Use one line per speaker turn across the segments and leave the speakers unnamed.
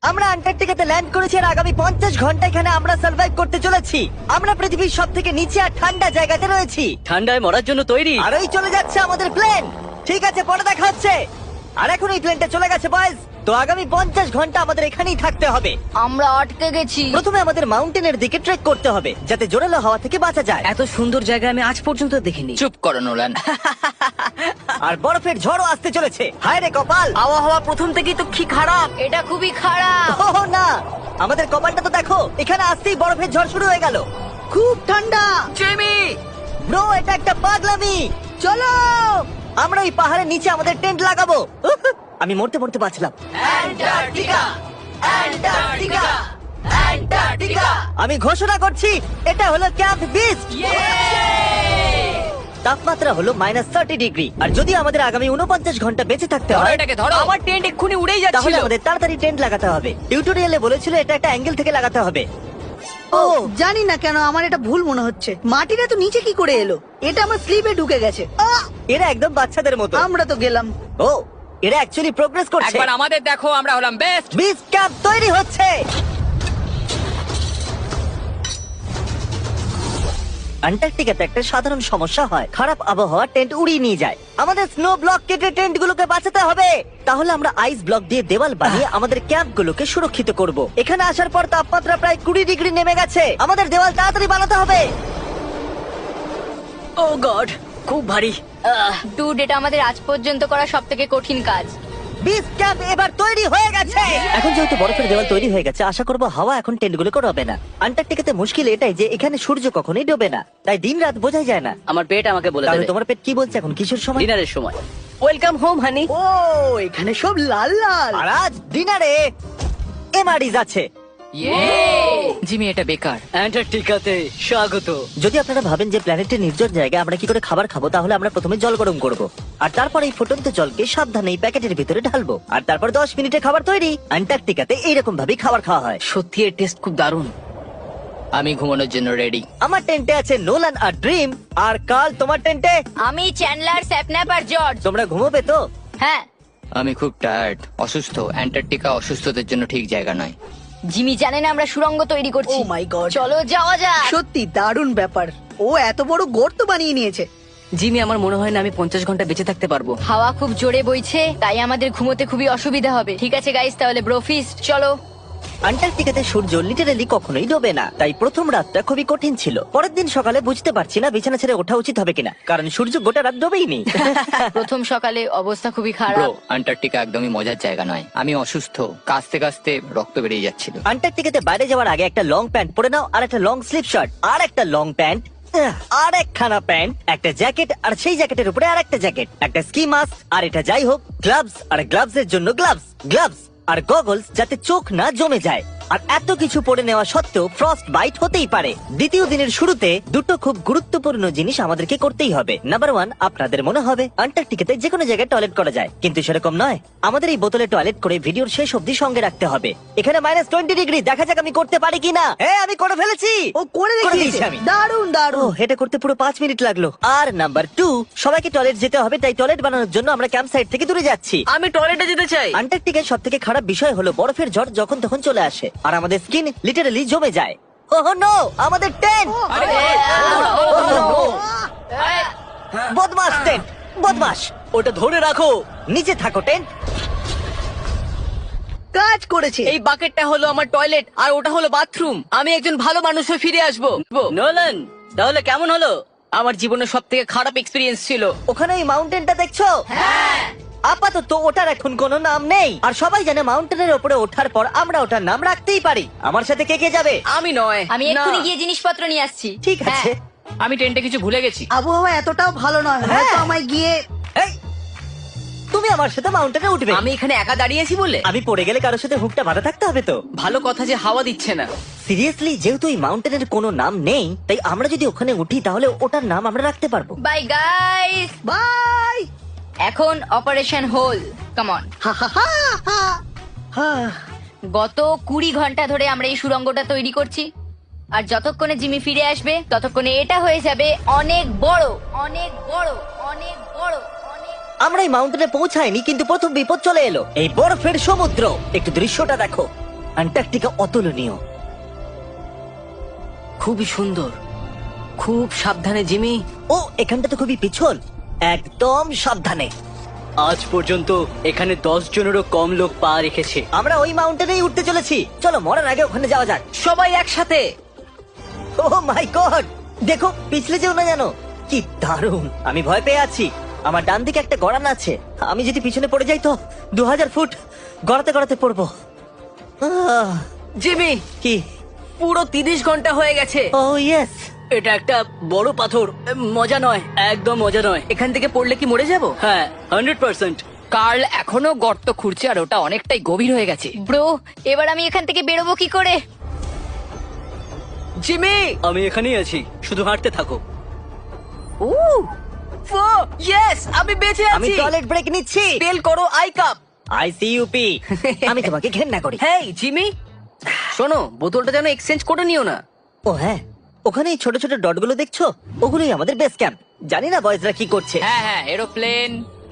আমরা আন্টার্কটিকাতে ল্যান্ড করেছি আর আগামী 50 ঘন্টা এখানে আমরা সার্ভাইভ করতে চলেছি। আমরা পৃথিবীর সব থেকে নিচে আর ঠান্ডা জায়গাতে রয়েছি।
ঠান্ডায় মরার জন্য তৈরি।
আর ওই চলে যাচ্ছে আমাদের প্লেন। ঠিক আছে, পরে দেখা হচ্ছে। আর এখন এই প্লেনটা চলে গেছে বয়েজ। তো আগামী 50 ঘন্টা আমাদের এখানেই থাকতে হবে।
আমরা আটকে গেছি।
প্রথমে আমাদের মাউন্টেনের দিকে ট্রেক করতে হবে যাতে জোরালো হাওয়া থেকে বাঁচা যায়।
এত সুন্দর জায়গা আমি আজ পর্যন্ত দেখিনি।
চুপ করো নোলান।
আর বরফের ঝড়ও আসতে চলেছে। হায় রে কপাল!
আবহাওয়া প্রথম থেকেই তো কি খারাপ।
এটা খুবই খারাপ।
ওহ না, আমাদের কপালটা তো দেখো, এখানে আসতেই বরফের ঝড় শুরু হয়ে গেল। খুব ঠান্ডা।
জেমি,
ব্রো, এটা একটা পাগলামি। চলো আমরা ওই পাহাড়ের নিচে আমাদের টেন্ট লাগাবো। উহ, আমি মরতে মরতে বাঁচলাম। আমি ঘোষণা করছি, এটা হলো ক্যাম্প বিস্ট। তাপমাত্রা হলো -30 ডিগ্রি। আর যদি আমাদের আগামী 49 ঘন্টা বেঁচে থাকতে
ধরো
হয়,
এটাকে, ধরো।
আমার টেন্ট এক্ষুনি উড়েই
তাহলে
যাচ্ছিল।
আমাদের তাড়াতাড়ি টেন্ট লাগাতে হবে। টিউটোরিয়ালে বলেছিল এটা একটা অ্যাঙ্গেল থেকে লাগাতে হবে।
ও জানি না কেন আমার এটা ভুল মনে হচ্ছে। মাটিটা তো নিচে কি করে এলো? এটা আমার স্লিপে ঢুকে গেছে।
এরা একদম বাচ্চাদের মতো।
আমরা তো গেলাম।
ও, এরা অ্যাকচুয়ালি প্রোগ্রেস করছে।
একবার আমাদের দেখো, আমরা হলাম বেস্ট।
বিচ ক্যাম্প তৈরি হচ্ছে। আন্টার্কটিকাতে একটা সাধারণ সমস্যা হয়, খারাপ আবহাওয়া টেন্ট উড়িয়ে নিয়ে যায়। আমাদের স্নো ব্লক কেটে টেন্ট গুলোকে বাঁচাতে হবে। তাহলে আমরা আইস ব্লক দিয়ে দেওয়াল বানিয়ে আমাদের ক্যাম্প গুলোকে সুরক্ষিত করব। এখানে আসার পর তাপমাত্রা প্রায় 20 ডিগ্রি নেমে গেছে। আমাদের দেওয়াল তাড়াতাড়ি বানাতে হবে।
ও গড, খুব ভারী।
ডুড, এটা আমাদের আজ পর্যন্ত করা সবথেকে কঠিন কাজ।
বিচ ক্যাম্প এবার তৈরি হয়ে গেছে। এখন যেহেতু বরফের দেওয়াল তৈরি হয়ে গেছে, আশা করবো হাওয়া এখন টেন্টগুলোকে ডোবে না। আন্টার্কটিকাতে মুশকিল এটাই যে এখানে সূর্য কখনোই ডোবে না, তাই দিন রাত বোঝাই যায় না।
আমার পেট আমাকে বলে
তাহলে
দেবে
তোমার পেট কি বলছে এখন? কিশোর সময়?
ডিনারের সময়। Welcome home honey.
ও এখানে সব লাল লাল।
আর আজ ডিনারে এমআরইজ আছে।
জিমি, এটা বেকার।
অ্যান্টার্কটিকাতে স্বাগত।
যদি আপনারা ভাবেন যে প্ল্যানেটের নির্জন জায়গায় আমরা কি করে খাবার খাবো, তাহলে আমরা প্রথমে জল গরম করব, আর তারপর এই ফুটন্ত জলকে সাবধানে এই প্যাকেটের ভিতরে ঢালবো, আর তারপর 10 মিনিটে খাবার তৈরি। আন্টার্কটিকাতে এইরকম ভাবেই খাবার খাওয়া হয়।
সত্যি এর টেস্ট খুব দারুণ।
আমি ঘুমানোর জন্য রেডি।
আমার টেন্টে আছে নোলান আর ড্রিম। আর কাল, তোমার টেন্টে
আমি চ্যান্ডলার, স্যাপন্যাপ আর জর্জ।
তোমরা ঘুমোবে তো?
হ্যাঁ।
আমি খুব টায়ার্ড, অসুস্থ। অ্যান্টার্কটিকা অসুস্থদের জন্য ঠিক জায়গা নয়।
জিমি জানে না আমরা সুড়ঙ্গ তৈরি করছি।
Oh my God!
চলো যাওয়া যাক।
সত্যি দারুণ ব্যাপার। ও এত বড় গর্ত বানিয়ে নিয়েছে।
জিমি, আমার মনে হয় না আমি 50 ঘন্টা বেঁচে থাকতে পারবো।
হাওয়া খুব জোরে বইছে, তাই আমাদের ঘুমোতে খুবই অসুবিধা হবে। ঠিক আছে গাইস, তাহলে ব্রোফিস্ট চলো।
আন্টার্কটিকাতে সূর্য লিটারালি কখনোই ডোবে না, তাই প্রথম রাতটা খুবই কঠিন ছিল। পরের দিন সকালে বুঝতে পারছি না বিছানা ছেড়ে ওঠা উচিত হবে কিনা, কারণ সূর্য গোটা রাত ডোবেইনি।
প্রথম সকালে অবস্থা খুবই
ব্রো,
খারাপ।
আন্টার্কটিকা একদমই মজার জায়গা নয়। আমি অসুস্থ, কাঁচতে কাঁচতে রক্ত বেরিয়ে যাচ্ছিল।
আন্টার্কটিকাতে বাইরে যাওয়ার আগে একটা লং প্যান্ট পরে নাও, আর একটা লং স্লিভ শার্ট, আর একটা লং প্যান্ট, আর একখানা প্যান্ট, একটা জ্যাকেট, আর সেই জ্যাকেটের উপরে আর একটা জ্যাকেট, একটা স্কি মাস্ক, আর এটা যাই হোক গ্লাভস, আর গ্লাভস এর জন্য গ্লাভস আর গগলস যাতে চোখ না জমে যায়। আর এত কিছু পরে নেওয়া সত্ত্বেও ফ্রস্ট বাইট হতেই পারে। দ্বিতীয় দিনের শুরুতে দুটো খুব গুরুত্বপূর্ণ জিনিস আমাদেরকে করতেই হবে। নাম্বার 1, আপনাদের মনে হবে আন্টার্কটিকাতে যে কোনো জায়গায় টয়লেট করা যায়, কিন্তু সেরকম নয়। আমাদের এই বোতলে টয়লেট করে ভিডিওর শেষ অবধি সঙ্গে রাখতে হবে। এখানে -20 ডিগ্রি, দেখা যাক আমি করতে পারি কিনা। হ্যাঁ, আমি করে ফেলেছি।
ও করে
দিয়েছি
দেখিয়েছে।
আমি।
দারুণ
ও,
দারুণ।
এটা করতে পুরো 5 মিনিট লাগলো। আর নাম্বার 2, সবাইকে টয়লেট যেতে হবে, তাই টয়লেট বানানোর জন্য আমরা ক্যাম্প সাইট থেকে দূরে যাচ্ছি।
আমি টয়লেটে যেতে চাই।
আন্টার্কটিকার সব থেকে খারাপ বিষয় হলো বরফের ঝড় যখন তখন চলে আসে, আর আমাদের স্কিন লিটারালি জমে যায়। ওহ নো, আমাদের টেন্ট! বদমাস টেন্ট, বদমাস!
ওটা ধরে রাখো।
নিচে থাকো টেন্ট।
কাজ করেছে।
এই বাকেটটা হলো আমার টয়লেট, আর ওটা হলো বাথরুম। আমি একজন ভালো মানুষ হয়ে ফিরে আসবো। নোলান, তাহলে কেমন হলো? আমার জীবনের সব থেকে খারাপ এক্সপিরিয়েন্স ছিল।
ওখানে ওই মাউন্টেনটা দেখছো? আপাতত ওটার এখন কোনো নাম নেই, আর সবাই জানে মাউন্টেনের উপরে ওঠার পর আমরা ওটার নাম রাখতেই পারি। আমার সাথে কে কে যাবে?
আমি নয়।
আমি
না।
এক্ষুনি গিয়ে জিনিসপত্র নিয়ে আসছি।
ঠিক আছে।
আমি টেন্টে কিছু ভুলে গেছি।
আবহাওয়া এতটাও ভালো নয়, হয়তো আমায় গিয়ে।
এই, তুমি আমার সাথে মাউন্টেনে উঠবে।
আমি এখানে একা দাঁড়িয়েছি বলে
আমি পড়ে গেলে কারোর সাথে হুকটা বাঁধা থাকতে হবে তো।
ভালো কথা যে হাওয়া দিচ্ছে না।
সিরিয়াসলি, যেহেতু এই মাউন্টেনের কোনো নাম নেই, তাই আমরা যদি ওখানে উঠি তাহলে ওটার নাম আমরা রাখতে পারবো।
Bye guys.
বাই।
এখন অপারেশন হোল, কাম অন।
হা হা হা হা। হা।
গত 20 ঘন্টা ধরে আমরা এই সুড়ঙ্গটা তৈরি করছি, আর যতক্ষণে জিমি ফিরে আসবে ততক্ষণে এটা হয়ে যাবে অনেক বড়, অনেক বড়, অনেক বড়, অনেক।
আমরা এই মাউন্টেনে পৌঁছাইনি, কিন্তু প্রথম বিপদ চলে এলো, এই বরফের সমুদ্র। একটু দৃশ্যটা দেখো। অ্যান্টার্কটিকা অতুলনীয়।
খুবই সুন্দর, খুব সাবধানে জিমি।
ও এখানটা তো খুবই পিছল, একদম সাবধানে।
আজ পর্যন্ত এখানে 10 জনেরও কম লোক পা রেখেছে।
আমরা ওই মাউন্টেনেই উঠতে চলেছি, চলো মরার আগে ওখানে যাওয়া যাক।
সবাই একসাথে।
ও মাই গড, দেখো পিছলে যেও না জানো। কি দারুণ, আমি ভয় পেয়ে আছি। আমার ডান দিকে একটা গড়ান আছে, আমি যদি পিছনে পড়ে যাই তো 2000 ফুট গড়াতে গড়াতে পড়বো।
জিমি,
কি?
পুরো 30 ঘন্টা হয়ে গেছে।
Oh yes.
এটা একটা বড় পাথর, মজা নয়, একদম মজা নয়। এখান থেকে পড়লে কি মরে যাব? হ্যাঁ, 100%।
কার্ল এখনো গর্ত খুঁড়ছে আর ওটা অনেকটাই গভীর হয়ে গেছে।
ব্রো, এবার আমি এখান থেকে বেরোবো কি করে?
জিমি, আমি এখানেই আছি, শুধু হাঁটতে থাকো। ইয়েস, আমি বেঁচে
আমি
আছি।
টয়লেট ব্রেক নিচ্ছি।
স্পেল করো আই কাপ।
আইসিইউপি। আমি তোমাকে ঘেন্না করি।
হেই জিমি, শোনো, বোতলটা যেন এক্সচেঞ্জ করে নিও না।
ও হ্যাঁ, ওখানে এই ছোট ছোট ডটগুলো দেখছো, ওগুলোই আমাদের বেস ক্যাম্প। জানি না বয়েজরা কি করছে।
হ্যাঁ হ্যাঁ, এরোপ্লেন।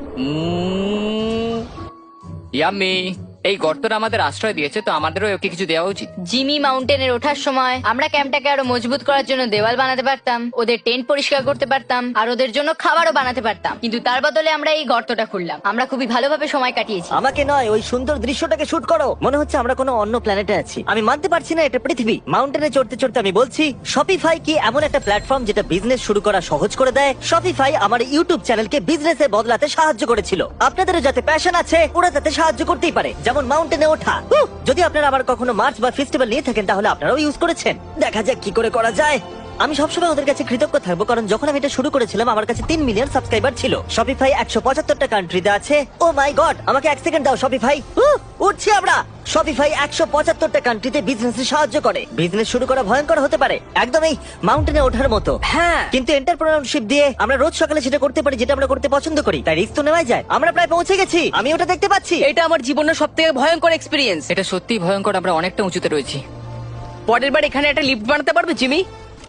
ইয়াম্মি, এই গর্তটা আমাদের আশ্রয় দিয়েছে, তো আমাদেরও ওকে কিছু দেওয়া উচিত।
জিমি মাউন্টেনের ওঠার সময় আমরা ক্যাম্পটাকে আরো মজবুত করার জন্য দেওয়াল বানাতে পারতাম, ওদের টেন্ট পরিষ্কার করতে পারতাম, আর ওদের জন্য খাবারও বানাতে পারতাম। কিন্তু তার বদলে আমরা এই গর্তটা খুললাম। আমরা খুবই ভালোভাবে সময় কাটিয়েছি।
আমাকে নয়, ওই সুন্দর দৃশ্যটাকে শুট করো। মনে হচ্ছে আমরা কোনো অন্য প্ল্যানেটে আছি। আমি মানতে পারছি না এটা পৃথিবী। মাউন্টেনে চড়তে চড়তে আমি বলছি, শপিফাই কি এমন একটা প্ল্যাটফর্ম যেটা বিজনেস শুরু করা সহজ করে দেয়? শপিফাই আমার ইউটিউব চ্যানেলকে বিজনেসে বদলাতে সাহায্য করেছিল। আপনাদেরও যাতে প্যাশন আছে, ওরা তাতে সাহায্য করতেই পারে, যেমন মাউন্টেনে ওঠা। যদি আপনারা আবার কখনো মার্চ বা ফেস্টিভ্যাল নিয়ে থাকেন, তাহলে আপনারাও ইউজ করেছেন। দেখা যাক কি করে করা যায়। আমি সবসময় ওদের কাছে কৃতজ্ঞ থাকবো, কারণ যখন আমি এটা শুরু করেছিলাম আমার কাছে 3 মিলিয়ন সাবস্ক্রাইবার ছিল। শপিফাই 175টা কান্ট্রিতে আছে। ও মাই গড, আমাকে 1 সেকেন্ড দাও শপিফাই। উঠছি আমরা। শপিফাই 175টা কান্ট্রিতে বিজনেসে সাহায্য করে। বিজনেস শুরু করা ভয়ঙ্কর হতে পারে, একদম এই মাউন্টেনে ওঠার মতো।
হ্যাঁ,
কিন্তু এন্টারপ্রেনারশিপ দিয়ে আমরা রোজ সকালে সেটা করতে পারি যেটা আমরা করতে পছন্দ করি, তাই রিস্ক তো নেওয়াই যায়। আমরা প্রায় পৌঁছে গেছি, আমি ওটা দেখতে পাচ্ছি।
এটা আমার জীবনের সবথেকে ভয়ঙ্কর এক্সপিরিয়েন্স।
এটা সত্যিই ভয়ঙ্কর, আমরা অনেকটা উঁচুতে রয়েছি।
পরের বার এখানে একটা লিফট বানাতে পারবে জিমি?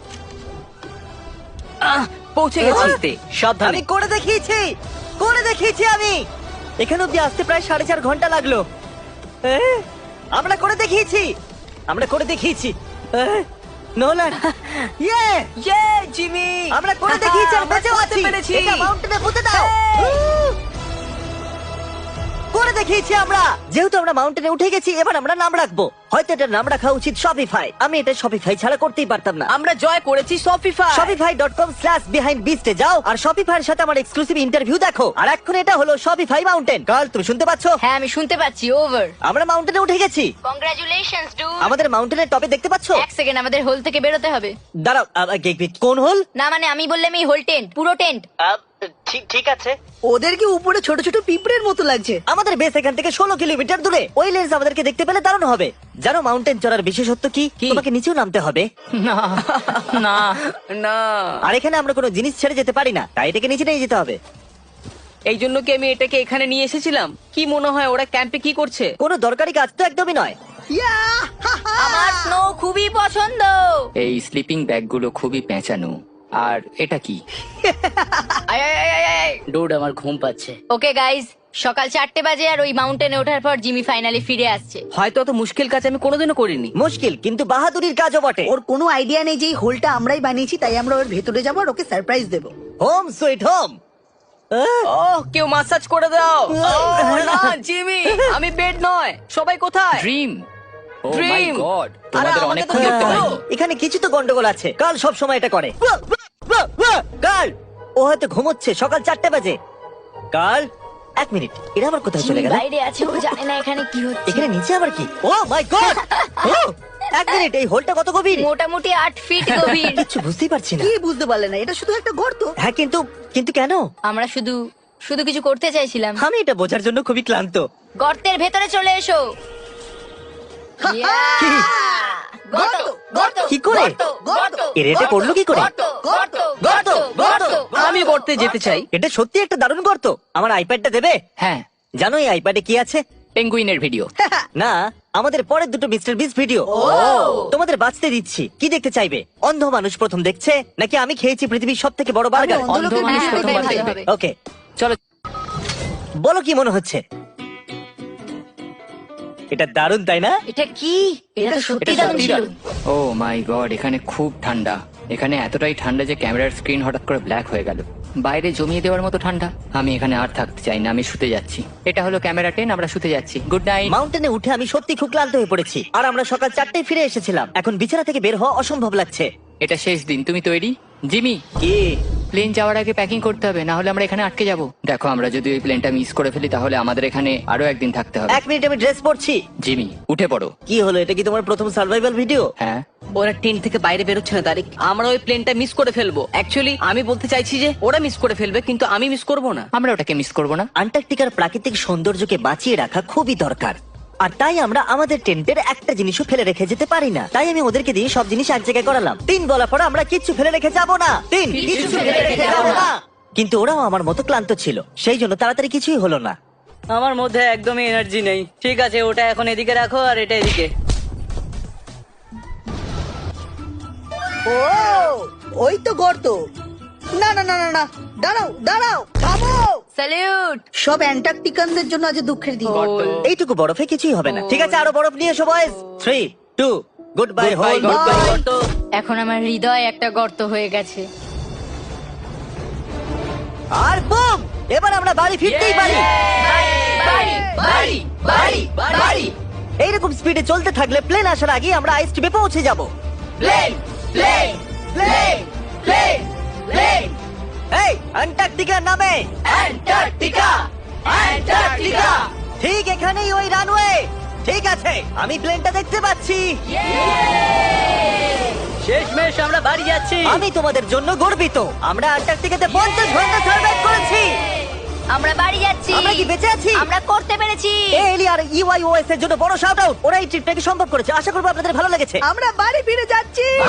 পৌঁছে গেছি। সাবধানে।
আমি করে দেখিয়েছি আমি। এখানে অব্দি আসতে প্রায় 4.5 ঘন্টা লাগলো। আমরা করে দেখিয়েছি। নোলান, ইয়ে!
ইয়ে জিমি,
আমরা করে দেখিয়েছি আর
আমরা
বেঁচেও
করতে
আছি।
পেরেছি।
এটা মাউন্টেনে পুঁতে দাও। করে দেখিয়েছি আমরা। যেহেতু আমরা মাউন্টেনে উঠে গেছি, এবার আমরা নাম রাখবো। হয়তো এটার নাম রাখা উচিত শপিফাই। আমি এটা শপিফাই ছাড়া করতেই পারতাম না।
আমরা জয় করেছি শপিফাই।
shopify.com/behindbeast এ যাও আর শপিফাইয়ের সাথে আমার এক্সক্লুসিভ ইন্টারভিউ দেখো। আর এখন এটা হলো শপিফাই মাউন্টেন। কাল তুমি শুনতে পাচ্ছো?
হ্যাঁ, আমি শুনতে পাচ্ছি। ওভার।
আমরা মাউন্টেনে উঠে গেছি।
Congratulations dude.
আমাদের মাউন্টেনের টপে দেখতে পাচ্ছো?
এক সেকেন্ড, আমাদের হোল থেকে বেরোতে হবে।
দাঁড়াও, কোন হোল?
না মানে আমি বললাম এই হোল টেন্ট, পুরো টেন্ট।
ঠিক আছে।
ওদেরকে উপরে ছোট ছোট পিঁপড়ের মতো লাগছে।
আমাদের বেস এখান থেকে 16 কিলোমিটার দূরে। ওই লেন্স আমাদেরকে দেখতে পেলে দারুণ হবে। জানো মাউন্টেন চড়ার বিশেষত্ব কি? তোমাকে নিচেও নামতে হবে।
না না
না,
আর এখানে আমরা কোনো জিনিস ছেড়ে যেতে পারি না, তাই এটাকে নিচে নিয়ে যেতে হবে।
এই জন্য কি আমি এটাকে এখানে নিয়ে এসেছিলাম? কি মনে হয় ওরা ক্যাম্পে কি করছে?
কোনো দরকারি কাজ তো একদমই নয়।
ইয়াহ!
আমার স্নো খুবই পছন্দ।
এই স্লিপিং ব্যাগগুলো খুবই পেঁচানো। আর এটা কি?
আয়, আয়, আয়, আয়, আয়।
ডোড, আমার ঘুম পাচ্ছে।
ওকে গাইজ, সকাল 4টে বাজে আর ওই মাউন্টেনে ওঠার পর জিমি ফাইনালি ফিরে আসছে।
হয়তো অত মুশকিল কাজ আমি কোনোদিনও করিনি।
মুশকিল কিন্তু বাহাদুরির কাজও বটে।
ওর কোনো আইডিয়া নেই যে এই হোলটা আমরাই বানিয়েছি, তাই আমরা ওর ভেতরে যাবো আর ওকে সারপ্রাইজ দেবো।
Home sweet home.
ওহ, কেউ মাসাজ করে দাও। ওহ, না জিমি, আমি বেড নয়। সবাই কোথায়?
Dream. Oh my
Dream!
God,
আরে,
তোমাদের
আমাকে
অনেকক্ষণ
তো
দেখতে
দেখতে
পাইনি।
হলো।
এখানে কিছু তো গন্ডগোল আছে। কাল সব সময় এটা করে। কাল ও হয়তো ঘুমোচ্ছে, সকাল 4টে বাজে। কাল 1 মিনিট, এরা আবার কোথায় চলে
জিমি
গেল?
বাইরে আছে, ও জানে না এখানে কি হচ্ছে।
এখানে নিচে আবার কি? ও মাই গড! 1 মিনিট, এই হোলটা কত গভীর?
মোটামুটি 8 ফিট গভীর।
কিছু বুঝতেই পারছি না।
কি বুঝতে পারলে না? এটা শুধু একটা গর্ত।
হ্যাঁ, কিন্তু কেন?
আমরা শুধু শুধু কিছু করতে চাইছিলাম।
আমি এটা বোঝার জন্য খুবই ক্লান্ত।
গর্তের ভেতরে চলে এসো।
কি?
গর্ত, গর্ত,
কি করে?
গর্ত, গর্ত,
এর এটা করলো কি করে?
গর্ত, গর্ত,
গর্ত, গর্ত।
আমি করতে যেতে চাই।
এটা সত্যি একটা দারুণ গর্ত। আমার আইপ্যাডটা দেবে?
হ্যাঁ,
জানো এই আইপ্যাডে কি আছে?
পেঙ্গুইনের ভিডিও।
না, আমাদের পরের দুটো মিস্টার বিস ভিডিও। তোমাদের বাঁচতে দিচ্ছি। কি দেখতে চাইবে? অন্ধ মানুষ প্রথম দেখছে, নাকি আমি খেয়েছি পৃথিবীর সব থেকে বড় বার্গার?
অন্ধ
অন্ধ
লোকের
মানুষ
হ্যাঁ,
প্রথমবার
ওটাই ভালো
দেখবে।
হবে।
ওকে,
চলো।
বলো কি মনে হচ্ছে? এটা দারুণ তাই না?
এটা কি? এটা তো সত্যি
এটা
দারুণ
সত্যি
ছিল।
দারুণ। ও মাই গড, এখানে খুব ঠান্ডা। এখানে এতটাই ঠান্ডা যে ক্যামেরার স্ক্রিন হঠাৎ করে ব্ল্যাক হয়ে গেল। বাইরে জমিয়ে দেওয়ার মতো ঠান্ডা। আমি এখানে আর থাকতে চাই না, আমি শুতে যাচ্ছি। এটা হলো ক্যামেরা 10, আমরা শুতে যাচ্ছি। Good night.
মাউন্টেনে উঠে আমি সত্যি খুব ক্লান্ত হয়ে পড়েছি, আর আমরা সকাল 4টায় ফিরে এসেছিলাম। এখন বিছানা থেকে বের হওয়া অসম্ভব লাগছে।
এটা শেষ দিন, তুমি তৈরি? জিমি,
কি?
প্লেন যাওয়ার আগে প্যাকিং করতে হবে, না হলে আমরা এখানে আটকে যাব। দেখো, আমরা যদি ওই প্লেনটা মিস করে ফেলি তাহলে আমাদের এখানে আরো একদিন থাকতে হবে।
1 মিনিট, আমি ড্রেস পরছি।
জিমি, উঠে পড়ো।
কি হলো, এটা কি তোমার প্রথম সার্ভাইভাল ভিডিও?
হ্যাঁ,
ওরা টেন্ট থেকে বাইরে বেরোচ্ছে না তারিক। আমরা ওই প্লেনটা মিস করে ফেলবো। অ্যাকচুয়ালি আমি বলতে চাইছি যে ওরা মিস করে ফেলবে, কিন্তু আমি মিস করব না।
আমরা ওটাকে মিস করব না।
আন্টার্কটিকার প্রাকৃতিক সৌন্দর্যকে বাঁচিয়ে রাখা খুবই দরকার, আর তাই আমরা আমাদের টেন্টের একটা জিনিসও ফেলে রেখে যেতে পারি না। তাই আমি ওদেরকে দিয়ে সব জিনিস এক জায়গায় করালাম। 3 বলার পর আমরা কিচ্ছু ফেলে রেখে যাব না। 3 কিছু ফেলে রেখে যাব না। কিন্তু ওরাও আমার মতো ক্লান্ত ছিল, সেই জন্য তাড়াতাড়ি কিছুই হলো না।
আমার মধ্যে একদমই এনার্জি নেই। ঠিক আছে, ওটা এখন এদিকে রাখো আর এটা এদিকে।
ও, ওই তো গর্ত। না না না না না, দাঁড়াও দাঁড়াও, থামো।
স্যালিউট।
সব অ্যান্টার্কটিকানদের জন্য আজ দুঃখের দিন।
এইটুকু বরফে কিছুই হবে না। ঠিক আছে, আরো বরফ নিয়ে এসো বয়েজ। 3, 2, good bye whole.
এখন আমার হৃদয় একটা গর্ত হয়ে গেছে।
আর বুম, এবার আমরা বাড়ি ফিরতেই পারি। এইরকম স্পিডে চলতে থাকলে প্লেন আসার আগে আমরা আইস টিপে পৌঁছে যাব। এই অ্যান্টার্কটিকা নামে। ঠিক এখানেই ওই রানওয়ে। ঠিক আছে, আমি প্লেনটা দেখতে পাচ্ছি।
শেষমেশ আমরা বাড়ি যাচ্ছি।
আমি তোমাদের জন্য গর্বিত। আমরা অ্যান্টার্কটিকাতে 50 ঘন্টা সার্ভাইভ করেছি।
আমরা বাড়ি যাচ্ছি।
আমরা কি বেঁচে আছি?
আমরা করতে পেরেছি।
এলি আর ইউআইওএস এর জন্য বড় শাউট আউট। ওরা এই ট্রিপটাকে সম্ভব করেছে। আশা করবো আপনাদের ভালো লেগেছে।
আমরা বাড়ি ফিরে যাচ্ছি।